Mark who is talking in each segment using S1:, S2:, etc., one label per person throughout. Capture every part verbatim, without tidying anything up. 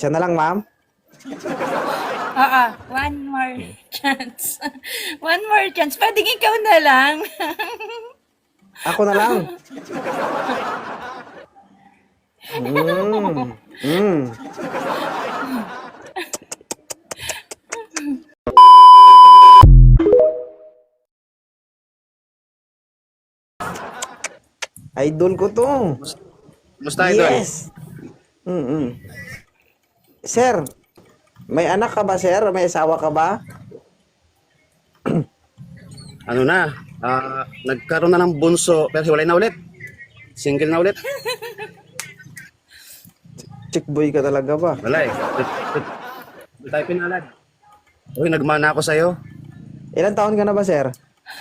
S1: Siya na lang, ma'am.
S2: Oo, one more chance. One more chance. Pwedeng ikaw na lang.
S1: Ako na lang. Mm. Mm. Idol ko to.
S3: Musta idol?
S1: Yes. Mm-mm. Sir, may anak ka ba, sir? May asawa ka ba?
S3: Ano na? Ah, nagkaroon na ng bunso pero hiwalay na ulit. Single na ulit.
S1: Chick boy ka talaga ba?
S3: Wala eh. Hindi tayo pinalad. Uy, nagmana ako sa'yo.
S1: Ilan taon ka na ba, sir?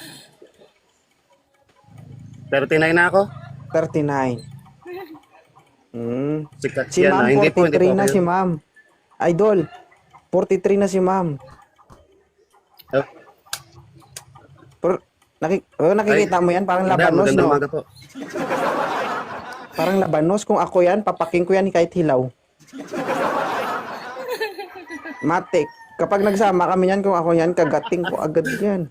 S3: Pero tinay na ako.
S1: thirty-nine. Mm.
S3: Sikat
S1: Si
S3: yan
S1: ma'am,
S3: ah. Hindi po, hindi
S1: forty-three
S3: po
S1: na
S3: kayo.
S1: si ma'am. Idol, forty-three na si ma'am.
S3: Oh,
S1: Pero, naki, oh, nakikita mo yan, parang
S3: madam,
S1: labanos,
S3: magandang
S1: no?
S3: umaga po.
S1: Parang labanos. Kung ako yan, papaking ko yan kahit hilaw. Matik. Kapag nagsama kami yan, kung ako yan, kagating ko agad yan.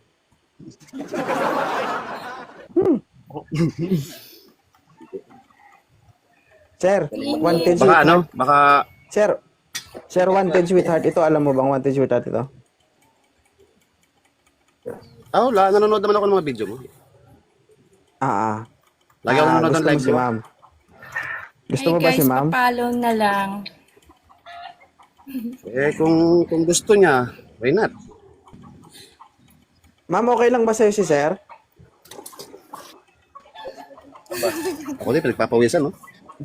S1: Hmm. Sir, wanted
S3: Baka
S1: sweetheart.
S3: ano? Baka
S1: Sir, Sir, wanted sweetheart. Ito, alam mo bang wanted sweetheart ito?
S3: oh, la, nanonood naman ako ng mga video mo.
S1: Ah, ah.
S3: Lagi ako
S1: Ah,
S3: nanonood ng
S1: gusto mo
S3: live
S1: si
S3: mo.
S1: ma'am. Gusto
S2: Ay
S1: mo ba
S2: guys,
S1: si ma'am?
S2: papalo na lang.
S3: Eh, kung kung gusto niya, why not?
S1: Ma'am, okay lang ba sa'yo si sir?
S3: Ako din, pinagpapawisan, no?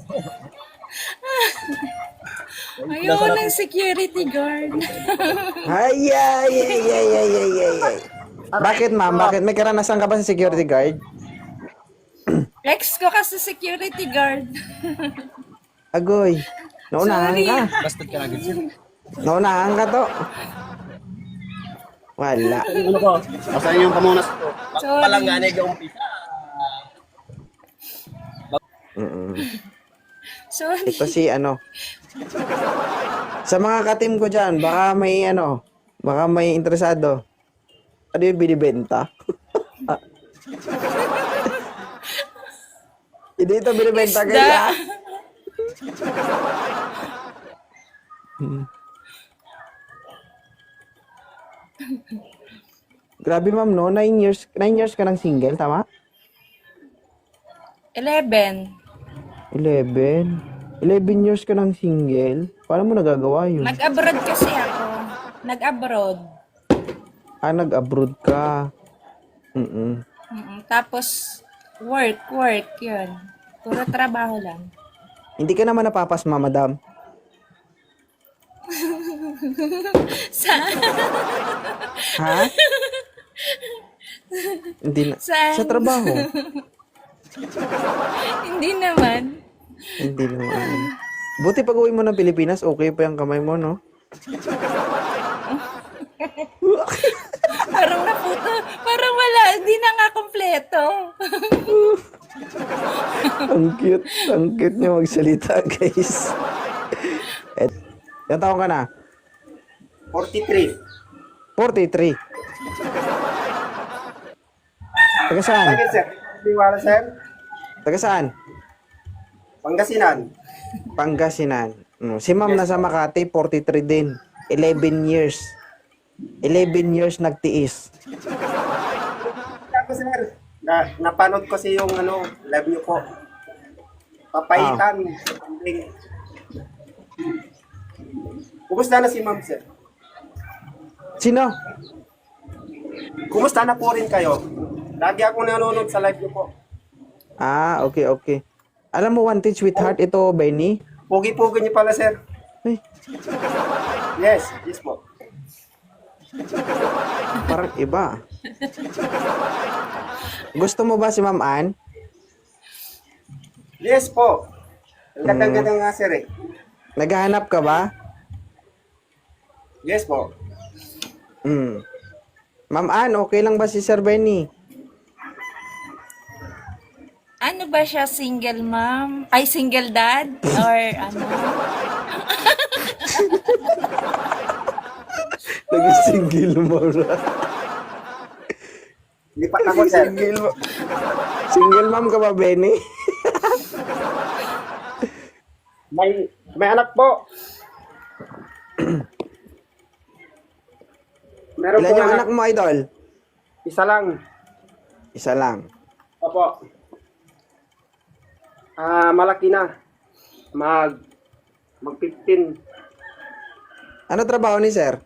S2: Ayoko ng security guard.
S1: Ay, ay, ay, ay, ay, ay, ay, ay. Bakit ma'am? Bakit? May karanasan ka ba sa security guard?
S2: Ex ko kasi security guard.
S1: Agoy. Naunahan
S2: Sorry.
S1: ka.
S3: Bastard ka lagi.
S1: Naunahan ka to. Wala.
S3: Ano ko? Basta yung pamunas ko.
S2: Sorry.
S1: Mm-mm.
S2: Sorry.
S1: Ito si ano. Sa mga katim ko dyan, baka may ano, baka may interesado. Ano yung binibenta? Hindi ito binibenta
S2: Isda.
S1: kaya. Grabe ma'am, no? Nine years, nine years ka ng single, tama?
S2: Eleven.
S1: Eleven. Eleven years ka ng single? Paano mo nagagawa yun?
S2: Nag-abroad kasi ako. Nag-abroad.
S1: Ah, nag-abroad ka. Mm-mm.
S2: Mm-mm. Tapos, work, work, yun. Puro trabaho lang.
S1: Hindi ka naman napapasma, madam.
S2: Sa,
S1: Ha? Hindi na.
S2: Saan?
S1: Sa trabaho.
S2: hindi naman.
S1: Hindi naman. Buti pag uwi mo ng Pilipinas, okay pa yung kamay mo, no?
S2: Parang naputo. Parang wala. Hindi na nga kompleto.
S1: Ang cute. Ang cute niya magsalita, guys. Et, ilang taon ka na?
S4: forty-three.
S1: forty-three. Taga saan?
S4: Bakit sir? Diwala sir?
S1: Taga saan?
S4: Pangasinan.
S1: Pangasinan. Mm, Si ma'am nasa Makati, forty-three din. eleven years. eleven years nagtiis.
S4: Ako sir, na, napanood ko si yung ano, live niyo po. Papaitan. Something. Kumusta na si ma'am sir?
S1: Sino?
S4: Kumusta na po rin kayo? Lagi ako nanonood sa live niyo po.
S1: Ah, okay, okay. Alam mo, wanted sweetheart, ito, Benny.
S4: Pugi-pugi niyo pala sir.
S1: Ay,
S4: Yes, yes po.
S1: parang iba. Gusto mo ba si Ma'am Ann?
S4: Yes po. Ang ganda-ganda nga sir eh.
S1: Naghahanap ka ba?
S4: Yes po.
S1: Hmm. Ma'am Ann, okay lang ba si Sir Benny?
S2: Ano ba siya? Single mom? Ay, single dad? Or ano?
S1: Single mo na.
S4: Lipat ako, sir.
S1: Single mo. Single ma'am ka ba, Benny?
S4: May, may anak po. Meron
S1: Ilan
S4: po
S1: yung
S4: anak.
S1: anak mo, idol?
S4: Isa lang.
S1: Isa lang.
S4: Opo. Ah, malaki na. Mag mag fifteen.
S1: Ano trabaho ni sir?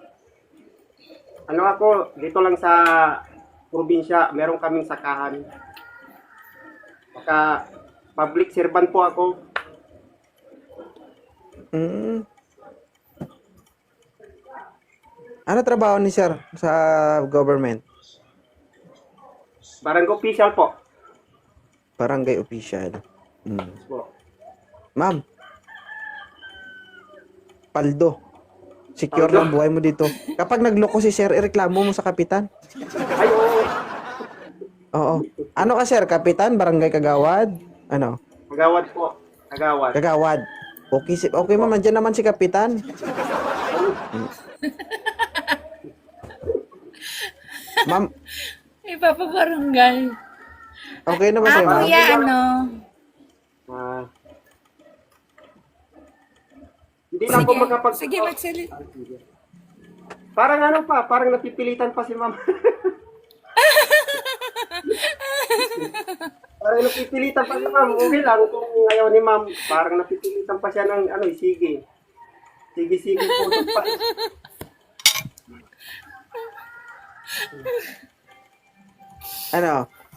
S4: Ano ako, dito lang sa probinsya, meron kaming sakahan. Saka public servant po ako.
S1: Mm. Ano trabaho ni sir sa government?
S4: Barangay official po.
S1: Barangay official. Mm.
S4: Po.
S1: Ma'am. Paldo. Secure
S4: Paldo?
S1: na ang buhay mo dito. Kapag nagloko si sir, ireklamo mo sa kapitan.
S4: Ay, oo.
S1: Oo. Ano ka sir? Kapitan? Barangay Kagawad? Ano?
S4: Kagawad po. Kagawad.
S1: Kagawad. Okay, si okay ma'am. Nandiyan naman si kapitan. Ma'am,
S2: Ipapabarangay.
S1: okay na ba
S2: Ah,
S1: sa'yo, ma'am?
S2: kuya, ano?
S4: Ah. Hindi na ako
S2: Sige,
S4: makapag...
S2: sige, magsalita.
S4: Parang ano pa, parang napipilitan pa si ma'am. Parang napipilitan pa si ma'am. Okay lang kung ayaw ni ma'am, parang napipilitan pa siya ng ano, sige. Sige, sige po. Pa.
S1: Ano?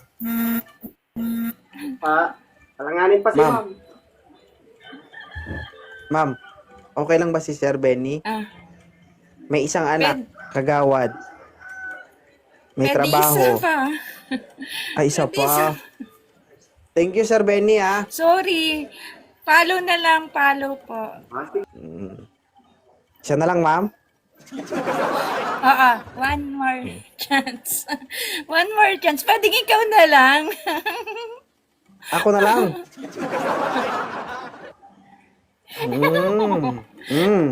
S4: Ah, alanganin pa si
S1: Ma'am.
S4: ma'am.
S1: Ma'am, okay lang ba si Sir Benny?
S2: Ah,
S1: May isang anak, kagawad. May
S2: pwede
S1: trabaho.
S2: isa pa.
S1: Ay, isa
S2: Pwede isa.
S1: pa. Thank you, Sir Benny, ah.
S2: Sorry. Follow na lang, follow po.
S4: Ah, sige.
S1: Siya na lang, ma'am.
S2: Oo, one more chance. One more chance. Pwede ikaw na lang.
S1: Ako na lang. Mm. Mm.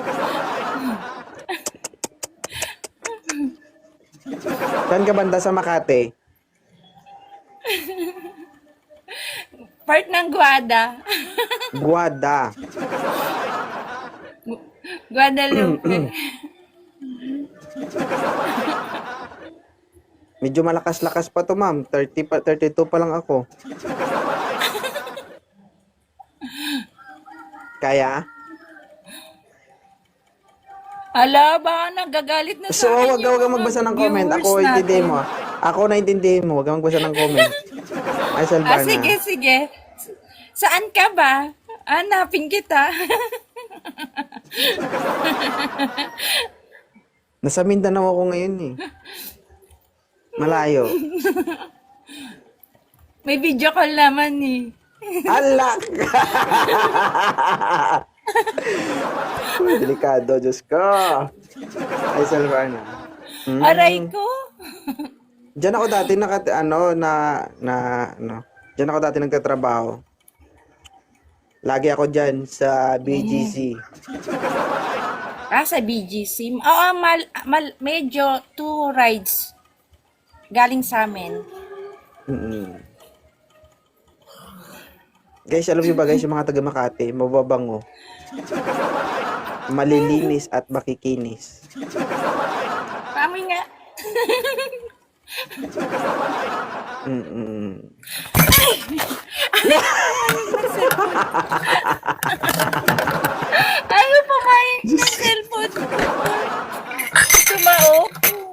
S1: Saan ka banda sa Makati?
S2: Part ng Guada.
S1: Guada.
S2: Guadalupe.
S1: Medyo malakas-lakas pa to, ma'am. thirty pa, thirty-two pa lang ako. Kaya?
S2: Ala, baka nagagalit na
S1: So,
S2: sa akin
S1: wag ka wag kang magbasa ng comment. Ako, intindihin mo. Ako na intindihin mo. Wag kang magbasa ng comment. Ay,
S2: Ah,
S1: Salvana.
S2: sige, sige. Saan ka ba? Hanapin kita.
S1: Nasa Mindanao ako ngayon eh. Malayo.
S2: May video call naman eh.
S1: Alak! Uy, delikado, Diyos ko. Ay, Salvana. Mm.
S2: Aray ko.
S1: Diyan ako dati naka, ano, na, na, ano, diyan ako dati nagtatrabaho. Lagi ako diyan sa B G C.
S2: Ah, sa B G C. Oo, mal, mal, medyo two rides galing sa amin.
S1: Mm-mm. Guys, alam niyo ba guys, yung mga taga Makati, mababango. Malilinis at makikinis.
S2: Kami nga.
S1: Mm-mm.
S2: Ayaw pumayag ng cellphone ko. Tumao.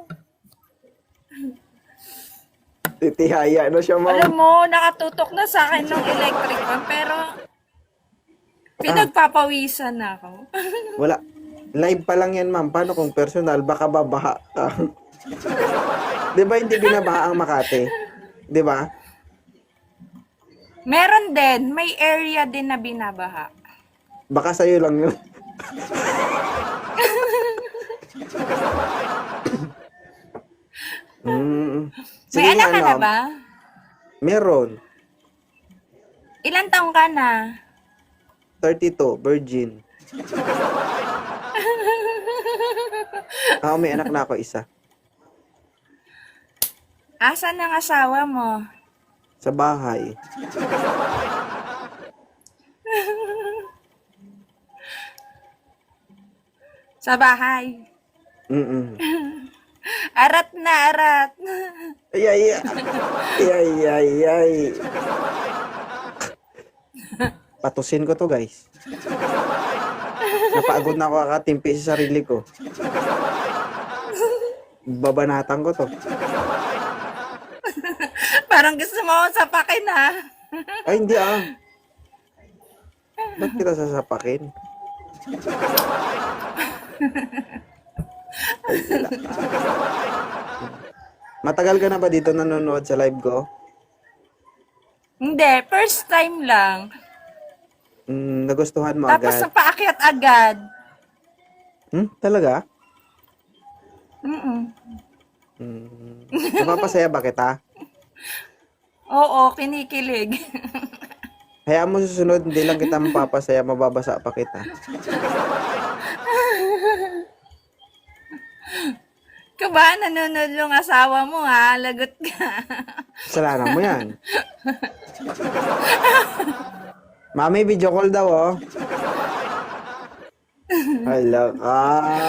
S1: Titihaya na siya,
S2: Alam
S1: ma'am.
S2: mo, nakatutok na sa akin ng electric fan, pero pinagpapawisan na ako.
S1: Wala. Live pa lang yan, ma'am. Paano kung personal? Baka babaha ka. Di ba hindi binabaha ang Makati? Di ba?
S2: Meron din, may area din na binabaha.
S1: Baka sa'yo lang yun. mm.
S2: May anak ka na
S1: ma'am.
S2: ba?
S1: Meron.
S2: Ilan taong ka na?
S1: thirty-two, virgin. Oo, may anak na ako isa.
S2: Asan ang asawa mo?
S1: Sa bahay.
S2: Sa bahay.
S1: Mm-mm.
S2: Arat na, arat.
S1: Ay, ay, ay. Ay, ay, ay. Patusin ko to, guys. Napagod na ako kakatimpi sa sarili ko. Babanatan ko to.
S2: Parang gusto mo akong sapakin, ha?
S1: Ay, hindi ah. Ba't kita sasapakin? Ay, wala. Matagal ka na ba dito nanonood sa live ko?
S2: Hindi, first time lang.
S1: Mm, nagustuhan mo
S2: Tapos
S1: agad?
S2: napaakyat agad.
S1: Hmm? Talaga?
S2: Mm-mm.
S1: Hmm. Napapasaya ba kita?
S2: Oo, kinikilig.
S1: Hayaan mo susunod, hindi lang kita mapapasaya, mababasa pa kita.
S2: Kaba, nanonood yung asawa mo, ha? Lagot ka.
S1: Kasalanan mo yan. Mami, video call daw, oh. Hala ka.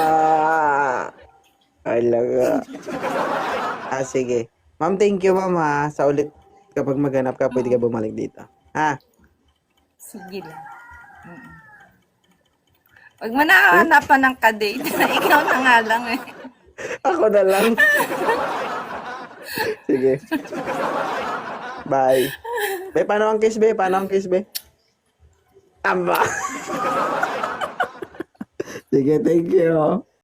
S1: Hala ka. Ah, sige. Ma'am, thank you, ma'am, ha. Sa ulit, kapag maghanap ka, pwede ka bumalik dito. Ha?
S2: Sige lang. Mm-mm. Huwag mo na hanapan ng kadate. Ikaw na nga lang, eh.
S1: Ako na lang. Sige. Bye. Be, paano ang kiss, be? Paano ang kiss, be? Aba. Sige, thank you.